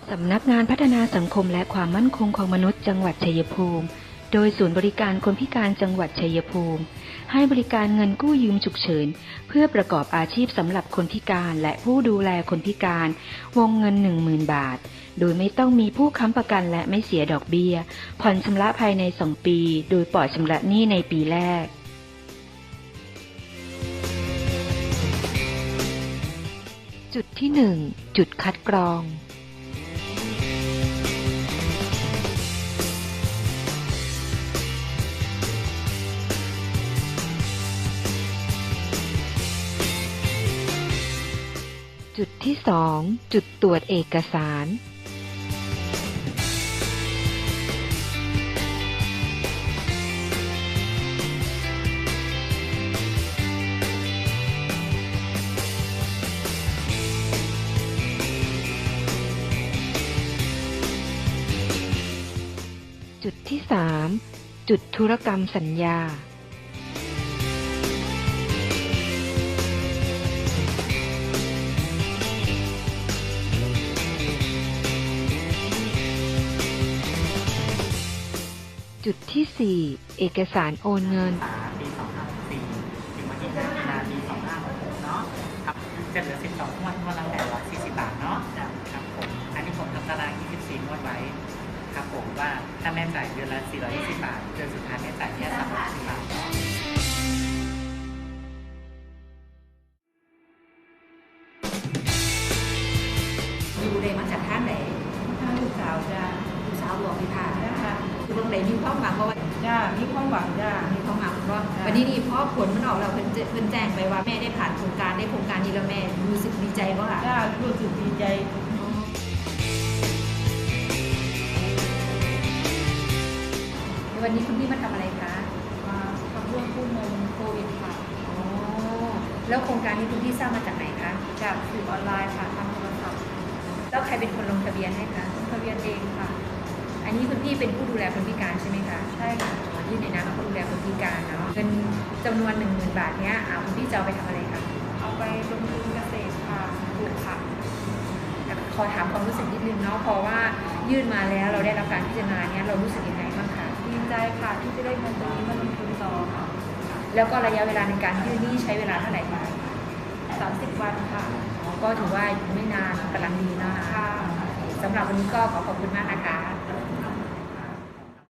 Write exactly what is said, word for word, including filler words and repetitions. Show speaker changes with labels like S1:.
S1: สำนักงานพัฒนาสังคมและความมั่นคงของมนุษย์จังหวัดชัยภูมิโดยศูนย์บริการคนพิการจังหวัดชัยภูมิให้บริการเงินกู้ยืมฉุกเฉินเพื่อประกอบอาชีพสำหรับคนพิการและผู้ดูแลคนพิการวงเงิน หนึ่งหมื่น บาทโดยไม่ต้องมีผู้ค้ำประกันและไม่เสียดอกเบี้ยผ่อนชำระภายในสองปีโดยปล่อยชำระหนี้ในปีแรกจุดที่หนึ่งจุดคัดกรองจุดที่สองจุดตรวจเอกสารจุดที่สามจุดธุรกรรมสัญญาจุดที่สี่เอกสารโอนเงิน
S2: ปีสองพันห้าร้อยหกสิบสี่ถึงวันที่ห้ามีนาปีสองพันห้าร้อยหกสิบหกเนาะครับจะเหลือสิบสองงวดงวดละแปดร้อยสี่สิบบาทเนาะครับผมอันนี้ผมทำตารางยี่สิบสี่งวดไว้ครับผมว่าถ้าแม่จ่ายเดือนละสี่ร้อยยี่สิบบาทเดือนสุดท้ายแม่จ่ายแค่สามร้อยสิบบาท
S3: ดูเลยมาจากท่านไหน
S4: ท่านลูกสาวจ้า
S3: ลูกสาวหลวงพิพา
S4: จ้า
S3: คือตรงไหนมีความหวังเพราะว่า
S4: จ้ามีความหวังจ้า
S3: มีความหวังเพราะวันนี้นี่พ่อผลมันออกแล้วเพิ่นเพิ่นแจ้งไปว่าแม่ได้ผ่านโครงการได้โครงการนี้แล้วแม่รู้สึกดีใจป่ะคะ
S4: จ้ารู้สึกดีใจ
S3: วันนี้คุณพี่มาทำอะไรคะ
S4: มาทำเรื่องกู้เงินโควิดค่ะ
S3: อ๋อแล้วโครงการนี้คุณพี่ทราบมาจากไหนคะ
S4: จากสื่อออนไลน์ค่ะทางโทรศัพท์
S3: แล้วใครเป็นคนลงทะเบียนให้คะ
S4: ลงทะเบียนเองค่ะ
S3: อันนี้คุณพี่เป็นผู้ดูแลคนพิการใช่ไหมคะ
S4: ใช่ค่ะ
S3: ยื่นในนามผู้ดูแลคนพิการเนาะเงินจำนวนหนึ่งหมื่นบาทเนี้ยคุณพี่จะเอาไปทำอะไรคะ
S4: เอาไปลงทุนเกษตรค่ะปลูกผัก
S3: ขอถามความรู้สึกนิดนึงเนาะเพราะว่ายื่นมาแล้วเราได้รับการพิจารณาเนี้ยเรารู้สึกยังไงบ้างคะ
S4: ดีใจค่ะที่จะได้เงินตรงนี้มาลงทุนต่อค่ะ
S3: แล้วก็ระยะเวลาในการยื่นนี่ใช้เวลาเท่าไหร่คะ
S4: สามสิบวันค่ะ
S3: ก็ถือว่าไม่นานกำลังดีนะคะสำหรับวันนี้ก็ขอขอบคุณมากนะคะ